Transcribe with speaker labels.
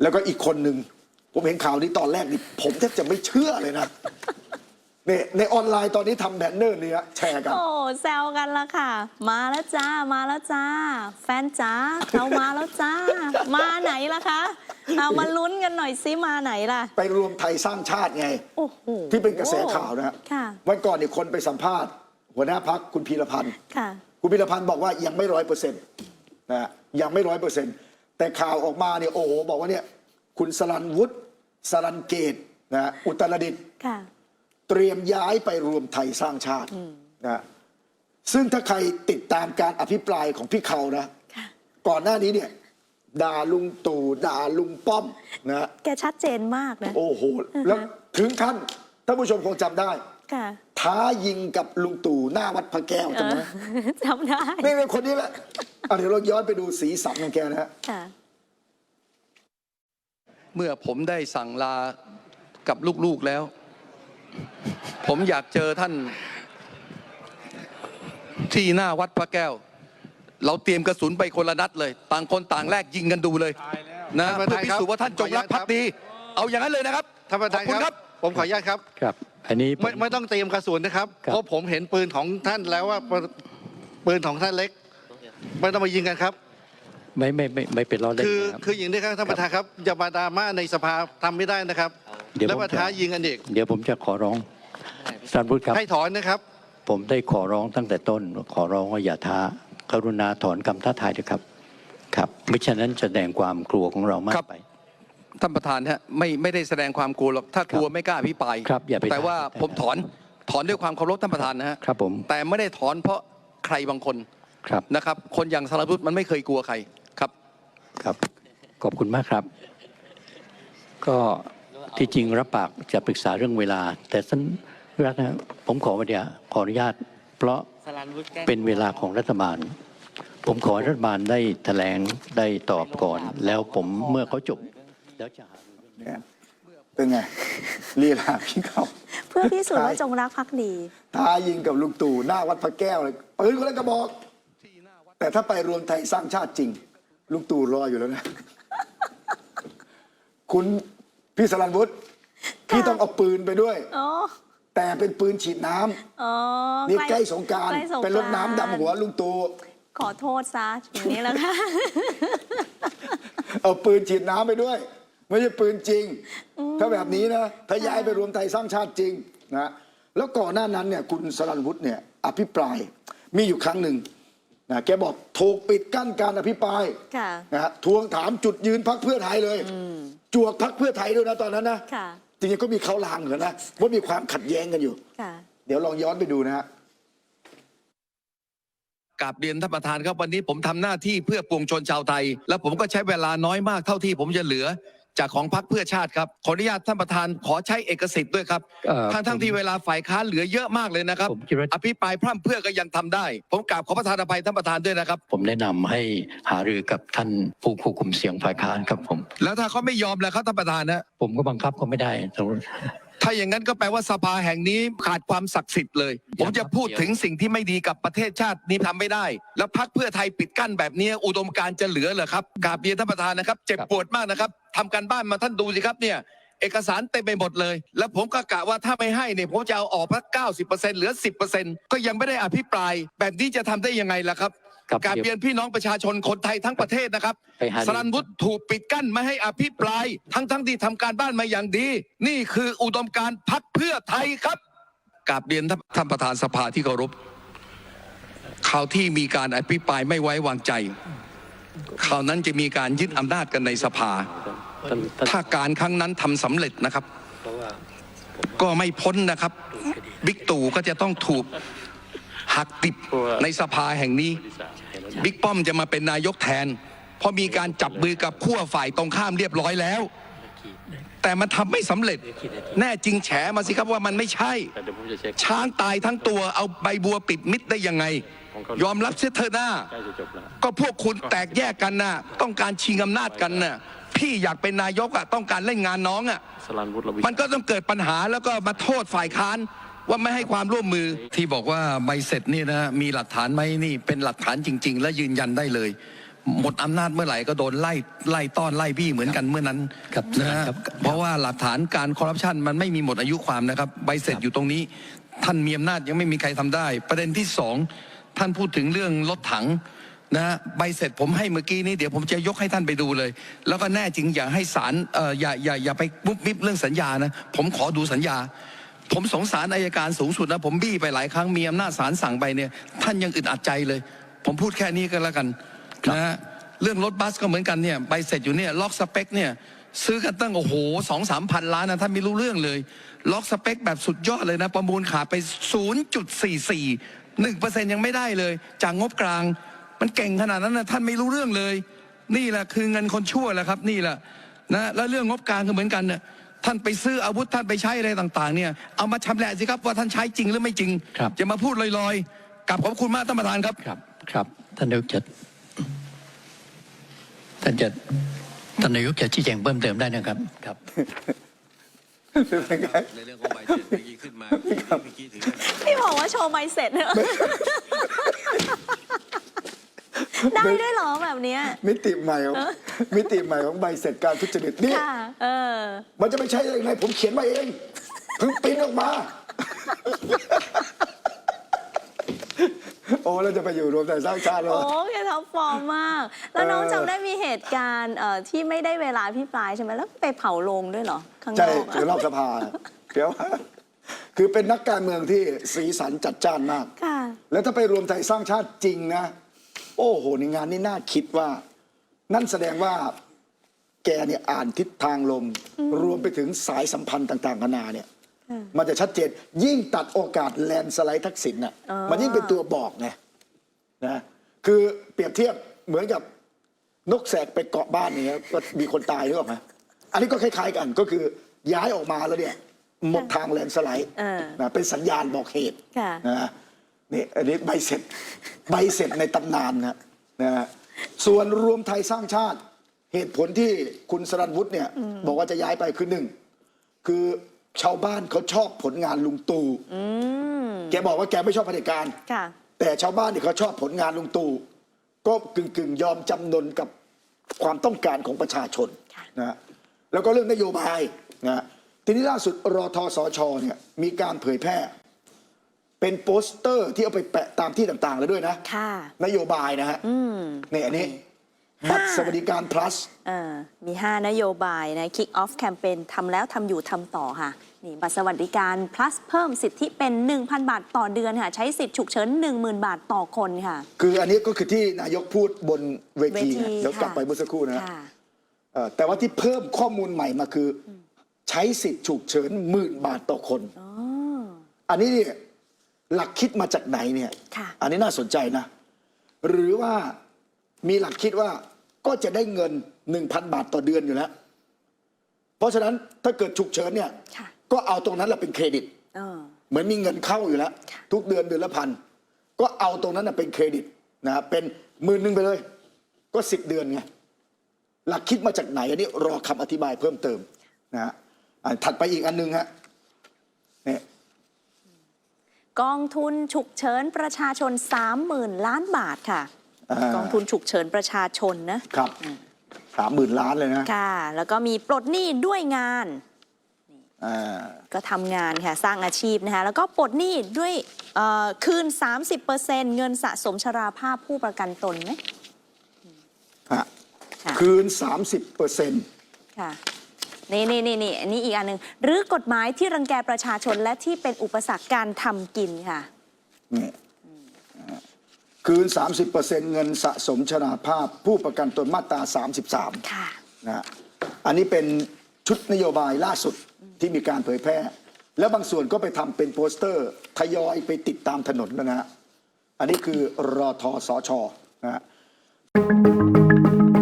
Speaker 1: แล้วก็อีกคนหนึ่งผมเห็นข่าวนี้ตอนแรกนี่ผมแทบจะไม่เชื่อเลยนะเนี่ยในออนไลน์ตอนนี้ทำแบนเนอร์เนี่ยแชร์กัน
Speaker 2: โอ้แซวกันละค่ะ มาแล้วจ้ามาแล้วจ้า แฟนจ้าเขามาแล้วจ้า มาไหนล่ะคะเอามาลุ้นกันหน่อยซิมาไหนล่ะ
Speaker 1: ไปรวมไทยสร้างชาติไง
Speaker 2: โอ้โห
Speaker 1: ที่เป็นกระแสข่าวนะฮะ
Speaker 2: ค่ะ
Speaker 1: วันก่อนเนี่ยคนไปสัมภาษณ์หัวหน้าพักคุณพีรพันธ์
Speaker 2: ค่ะ
Speaker 1: คุณพีรพันธ์บอกว่ายังไม่100%นะฮะยังไม่100%แต่ข่าวออกมาเนี่ยโอ้โหบอกว่าเนี่ยคุณสรัญวุฒิสรัญเกตนะฮะอุตรดิตถ์
Speaker 2: ค่ะ
Speaker 1: เตรียมย้ายไปรวมไทยสร้างชาตินะซึ่งถ้าใครติดตามการอภิปรายของพี่เขานะ
Speaker 2: ค่ะ
Speaker 1: ก่อนหน้านี้เนี่ยด่าลุงตู่ด่าลุงป้อมนะ
Speaker 2: แกชัดเจนมากนะ
Speaker 1: โอ้โหแล้วถึงขั้นท่านผู้ชมคงจำได้
Speaker 2: ค่ะ
Speaker 1: ท้ายิงกับลุงตู่หน้าวัดพระแก้วจำไหม
Speaker 2: จำได้
Speaker 1: นี่เป็นคนนี้แหละเดี๋ยวเราย้อนไปดูสีสันของแกนะฮะ
Speaker 2: ค่ะ
Speaker 3: เมื่อผมได้สั่งลากับลูกๆแล้ว ผมอยากเจอท่านที่หน้าวัดพระแก้ว เราเตรียมกระสุนไปคนละนัดเลย ต่างคนต่างแลกยิงกันดูเลยนะเพื่อพิสูจน์ว่าท่านจงรักภักดี เอาอย่างนั้นเลยนะครับ
Speaker 4: ท่านประธาน
Speaker 3: ขอบคุณ
Speaker 4: ครับ ผมขออนุญาตครับ
Speaker 5: ครับ อันนี้ผม
Speaker 4: ไม่ต้องเตรียมกระสุนนะครับ
Speaker 5: ครับ
Speaker 4: เพราะผมเห็นปืนของท่านแล้วว่าปืนของท่านเล็ก ไม่ต้องมายิงกันครับ
Speaker 5: ไม่เป็นล้อเล่น
Speaker 4: คือ
Speaker 5: นะครับ
Speaker 4: คืออย่างนี้ครับท่านประธานครับอย่ามาดราม่าในสภาทำไม่ได้นะครับ
Speaker 5: เดี๋ยว
Speaker 4: แล้ว
Speaker 5: ผม
Speaker 4: มา
Speaker 5: จะ
Speaker 4: ท้ายิงกันอีก
Speaker 5: เดี๋ยวผมจะขอร้องท่านพูดครับ
Speaker 4: ให้ถอนนะครับ
Speaker 5: ผมได้ขอร้องตั้งแต่ต้น ขอร้องว่าอย่าท้ากรุณาถอนคำท้าทายเถอะครับ ครับไม่ฉะนั้นจะแสดงความกลัวของเรามากไป
Speaker 3: ท่านประธานฮะไม่ได้แสดงความกลัวหรอกถ้ากลัวไม่กล้าอภิปราย
Speaker 5: ครับอย่าไป
Speaker 3: แต่ว่า
Speaker 5: ท้า
Speaker 3: ผมถอนด้วยความเคารพท่านประธานนะฮะ
Speaker 5: ครับผม
Speaker 3: แต่ไม่ได้ถอนเพราะใครบางคน
Speaker 5: ครับ
Speaker 3: นะครับ คนอย่างสรยุทธ์มันไม่เคยกลัวใครครับ
Speaker 5: ครับ ขอบคุณมากครับ ก็ที่จริงรับปากจะปรึกษาเรื่องเวลา แต่ท่านรัฐนะผมขอวันเดียวขออนุญาต เพราะเป็นเวลาของรัฐบาล ผมขอให้รัฐบาลได้แถลงได้ตอบก่อน แล้วผมเมื่อเขาจบแล้วจะหารือเรื่องนี้
Speaker 1: เนี่ยเป็นไงลีลาพี่เขา
Speaker 2: เพื่อพิสูจน์ว่าจงรักภักดี
Speaker 1: ท้ายิงกับลุงตู่หน้าวัดพระแก้วเลยปืนคนละกระบอก แต่ถ้าไปรวมไทยสร้างชาติจริง ลุงตู่รออยู่แล้วนะ คุณพี่สรัญวุฒิพี่ต้องเอาปืนไปด้วย
Speaker 2: อ๋อ
Speaker 1: แต่เป็นปืนฉีดน้ำ
Speaker 2: อ๋อ
Speaker 1: นี่ใกล้สงกราร
Speaker 2: ใกล้สงกรานต์
Speaker 1: เป็นรถน้ำดำหัวลุงตู่
Speaker 2: ขอโทษซะอย่างนี้แล้วค่ะ
Speaker 1: เอาปืนฉีดน้ำไปด้วย ไม่ใช่ปืนจริง ถ้าแบบนี้นะถ้าย้ายไปรวมไทยสร้างชาติจริงนะแล้วก่อนหน้านั้นเนี่ยคุณสรัญวุฒิเนี่ยอภิปรายมีอยู่ครั้งหนึ่งนะแกบอกถูกปิดกั้นการอภิปราย
Speaker 2: ค่ะ
Speaker 1: นะฮะทวงถามจุดยืนพรรคเพื่อไทยเลยจวกพรรคเพื่อไทยด้วยนะตอนนั้นนะ
Speaker 2: ค่ะ
Speaker 1: จริงๆก็มีเขาลางเหมือนกันนะว่ามีความขัดแย้งกันอยู่
Speaker 2: ค่ะ
Speaker 1: เดี๋ยวลองย้อนไปดูนะฮะ
Speaker 3: กราบเรียนท่านประธานครับวันนี้ผมทำหน้าที่เพื่อปวงชนชาวไทย และผมก็ใช้เวลาน้อยมากเท่าที่ผมจะเหลือจากของพรรคเพื่อชาติครับขออนุญาตท่านประธานขอใช้เอกสิทธิ์ด้วยครับทั้งที่เวลาฝ่ายค้านเหลือเยอะมากเลยนะครับ
Speaker 5: ผมคิดว่า
Speaker 3: อภิปรายพร่ำเพรื่อก็ยังทำได้ ผมกราบขอประธานอภัยท่านประธานด้วยนะครับ
Speaker 5: ผมแนะนำให้หารือกับท่านผู้ควบคุมเสียงฝ่ายค้านครับผม
Speaker 3: แล้วถ้าเขาไม่ยอมแล้วครับท่านประธานนะ
Speaker 5: ผมก็บังคับเขาไม่ได้
Speaker 3: ถ้าอย่างนั้นก็แปลว่าสภาแห่งนี้ขาดความศักดิ์สิทธิ์เลย ผมจะพูดถึงสิ่งที่ไม่ดีกับประเทศชาตินี้ทำไม่ได้ แล้วพรรคเพื่อไทยปิดกั้นแบบนี้อุดมการณ์จะเหลือเหรอครับกราบเรียนท่านประธานนะครับเจ็บปวดมากนะครับทำการบ้านมาท่านดูสิครับเนี่ยเอกสารเต็มไปหมดเลย แล้วผมก็กะว่าถ้าไม่ให้เนี่ยผมจะเอาออกพัก90%เหลือ 10%ก็ยังไม่ได้อภิปราย แบบนี้จะทำได้ยังไงล่ะครับ
Speaker 5: ครับ
Speaker 3: กราบเรียนพี่น้องประชาชนคนไทยทั้งประเทศนะครับ
Speaker 5: ไปหา
Speaker 3: สรัญวุฒิถูกปิดกั้นไม่ให้อภิปรายทั้งที่ทำการบ้านมาอย่างดี นี่คืออุดมการณ์พรรคเพื่อไทยครับกราบเรียนท่านประธานสภาที่เคารพคราวที่มีการอภิปรายไม่ไว้วางใจคราวนั้นจะมีการยึดอำนาจกันในสภา ถ้าการครั้งนั้นทำสำเร็จนะครับ ก็ไม่พ้นนะครับบิ๊กตู่ก็จะต้องถูกหักติบในสภาแห่งนี้บิ๊กป้อมจะมาเป็นนายกแทนเพราะมีการจับมือกับขั้วฝ่ายตรงข้ามเรียบร้อยแล้ว แต่มันทำไม่สำเร็จแน่จริงแฉมาสิครับว่ามันไม่ใช่ช้างตายทั้งตัวเอาใบบัวปิดมิดได้ยังไงยอมรับเสียเถอะหน้าก็พวกคุณแตกแยกกันน่ะต้องการชิงอำนาจกันน่ะพี่อยากเป็นนายกอ่ะต้องการเล่นงานน้องอ่ะมันก็ต้องเกิดปัญหาแล้วก็มาโทษฝ่ายค้านว่าไม่ให้ความร่วมมือที่บอกว่าใบเสร็จนี่นะมีหลักฐานไหมนี่เป็นหลักฐานจริงๆและยืนยันได้เลยหมดอำนาจเมื่อไหร่ก็โดนไล่ต้อนไล่บี้เหมือนกันเมื่อนั้น
Speaker 5: ครับ
Speaker 3: นะฮะ
Speaker 5: ครับ
Speaker 3: เพราะว่าหลักฐานการคอร์รัปชันมันไม่มีหมดอายุความนะครับใบเสร็จอยู่ตรงนี้ ท่านมีอำนาจยังไม่มีใครทำได้ ประเด็นที่สองท่านพูดถึงเรื่องรถถังนะฮะใบเสร็จผมให้เมื่อกี้นี้เดี๋ยวผมจะยกให้ท่านไปดูเลย แล้วก็แน่จริงอย่าให้ศาลอย่าไปมุบมิบเรื่องสัญญานะผมขอดูสัญญา ผมสงสารอัยการสูงสุดนะผมบี้ไปหลายครั้งมีอำนาจศาลสั่งไปเนี่ยท่านยังอึดอัดใจเลย ผมพูดแค่นี้ก็แล้วกันนะฮะเรื่องรถบัสก็เหมือนกันเนี่ยใบเสร็จอยู่เนี่ยล็อกสเปคเนี่ยซื้อกันตั้งโอ้โห2-3 พันล้านนะท่านไม่รู้เรื่องเลยล็อกสเปคแบบสุดยอดเลยนะประมูลขาดไป 0.44 1% ยังไม่ได้เลยจากงบกลางมันเก่งขนาดนั้นนะท่านไม่รู้เรื่องเลยนี่แหละคือเงินคนชั่วแหละครับนี่แหละนะแล้วเรื่องงบกลางก็เหมือนกันเนี่ยท่านไปซื้ออาวุธท่านไปใช้อะไรต่างๆเนี่ยเอามาชำแหละสิครับว่าท่านใช้จริงหรือไม่จริง
Speaker 5: ครับ
Speaker 3: จะมาพูดลอยๆกับขอบคุณมากท่านประธานครับ
Speaker 5: ครับครับท่านนายกจะชี้แจงเพิ่มเติมได้นะครับครับ
Speaker 3: ในเรื่องของใบเสร็จเมื่อกี้ขึ้นมาเมื่อกี้ถึง
Speaker 2: พี่บอกว่าโชว์ใบเสร็จเนี่ยได้ด้วยเหรอแบบเนี้ย
Speaker 1: มิติใหม่ของมิติใหม่ของใบเสร็จการทุจริตนี่
Speaker 2: ค่ะ
Speaker 1: มันจะไม่ใช่ยังไงผมเขียนมาเองเพิ่งปริ้นออกมา โอ้เราจะไปอยู่รวมไทยสร้างชาติแล้ว
Speaker 2: โอ้แกท็อปฟอร์มมาก แล้วน้องจำได้มีเหตุการณ์ที่ไม่ได้เวลาพี่ปลายใช่ไหมแล้วไปเผาโรงด้วยเหรอข้างน
Speaker 1: ใช่
Speaker 2: อก
Speaker 1: เดี๋ยวนอกสภาเดี๋ยวคือเป็นนักการเมืองที่สีสันจัดจ้านมาก
Speaker 2: ค่ะ
Speaker 1: แล้วถ้าไปรวมไทยสร้างชาติจริงนะ โอ้โหในงานนี้น่าคิดว่า นั่นแสดงว่าแกเนี่ยอ่านทิศทางลม รวมไปถึงสายสัมพันธ์ต่างๆนานาเนี่ย มันจะชัดเจนยิ่งตัดโอกาสแลนด์สไลด์ทักษิณน่ะ
Speaker 2: อ๋อ
Speaker 1: มันยิ่งเป็นตัวบอกไงนะคือเปรียบเทียบเหมือนกับนกแสกไปเกาะบ้านอย่างเงี้ยก็มีคนตายหรือเปล่าไหมอันนี้ก็คล้ายๆกันก็คือย้ายออกมาแล้วเนี่ยหมดทางแลนด์สไลด์นะเป็นสัญญาณบอกเหตุ
Speaker 2: ค่ะ
Speaker 1: นะนี่อันนี้ใบเสร็จในตำนานนะส่วนรวมไทยสร้างชาติเหตุผลที่คุณสรัญวุฒิเนี่ยบอกว่าจะย้ายไปคือหนึ่งคือชาวบ้านเขาชอบผลงานลุงตู่แกบอกว่าแกไม่ชอบเผด็จการ
Speaker 2: ค่ะ
Speaker 1: แต่ชาวบ้านเนี่ยเขาชอบผลงานลุงตู่ก็กึ่งยอมจำนนกับความต้องการของประชาชน
Speaker 2: ค่ะ
Speaker 1: นะแล้วก็เรื่องนโยบายนะทีนี้ล่าสุดรทสชเนี่ยมีการเผยแพร่เป็นโปสเตอร์ที่เอาไปแปะตามที่ต่างๆแล้วด้วยนะ
Speaker 2: ค่ะ
Speaker 1: นโยบายนะฮะเนี่ยอันนี้บัตรสวัสดิการ plus
Speaker 2: มี 5 นโยบายนะ Kick Off Campaign ทำแล้วทำอยู่ทำต่อค่ะ นี่บัตรสวัสดิการ plus เพิ่มสิทธิเป็น 1,000 บาทต่อเดือนค่ะ ใช้สิทธิ์ฉุกเฉิน 10,000 บาทต่อคนค่ะ
Speaker 1: คืออันนี้ก็คือที่นายกพูดบนเวที
Speaker 2: เวที
Speaker 1: นะเดี๋ยวกลับ
Speaker 2: ค่ะ
Speaker 1: ไปเมื่อสักครู่นะฮะ
Speaker 2: ค่ะ
Speaker 1: แต่ว่าที่เพิ่มข้อมูลใหม่มาคือใช้สิทธิ์ฉุกเฉิน10,000 บาทต่อคน อันนี้เนี่ยหลักคิดมาจากไหนเนี่ย
Speaker 2: ค่ะ
Speaker 1: อันนี้น่าสนใจนะ หรือว่ามีหลักคิดว่าก็จะได้เงิน 1,000 บาทต่อเดือนอยู่แล้ว เพราะฉะนั้นถ้าเกิดฉุกเฉินเนี่ย
Speaker 2: ค่ะ
Speaker 1: ก็เอาตรงนั้นแหละเป็นเครดิต เหมือนมีเงินเข้าอยู่แล้ว
Speaker 2: ค่ะ
Speaker 1: ทุกเดือนเดือนละ1,000ก็เอาตรงนั้นนะเป็นเครดิตนะเป็น10,000ไปเลย ก็10 เดือนไงหลักคิดมาจากไหนอันนี้รอคำอธิบายเพิ่มเติมนะฮะถัดไปอีกอันนึงฮะเนี่ย
Speaker 2: กองทุนฉุกเฉินประชาชน 30,000 ล้านบาทค่ะ กองทุนฉุกเฉินประชาชนนะครับ
Speaker 1: 30,000 ล้านเลยนะ
Speaker 2: ค่ะ แล้วก็มีปลดหนี้ด้วยงาน
Speaker 1: อ่า
Speaker 2: ก็ทำงานค่ะ สร้างอาชีพนะคะแล้วก็ปลดหนี้ด้วยคืน 30%เงินสะสมชราภาพผู้ประกันตนไหม
Speaker 1: ฮะ
Speaker 2: ค่ะ
Speaker 1: คืน 30%
Speaker 2: ค่ะนี่อันนี้อีกอันหนึ่งหรือกฎหมายที่รังแกประชาชนและที่เป็นอุปสรรคการทำกินค่ะ
Speaker 1: นี่คืน 30% เงินสะสมชราภาพผู้ประกันตนมาตรา 33
Speaker 2: ค่ะ
Speaker 1: นะฮะอันนี้เป็นชุดนโยบายล่าสุดที่มีการเผยแพร่ แล้วบางส่วนก็ไปทำเป็นโปสเตอร์ทยอยไปติดตามถนนแล้วนะฮะอันนี้คือรทสชนะฮะ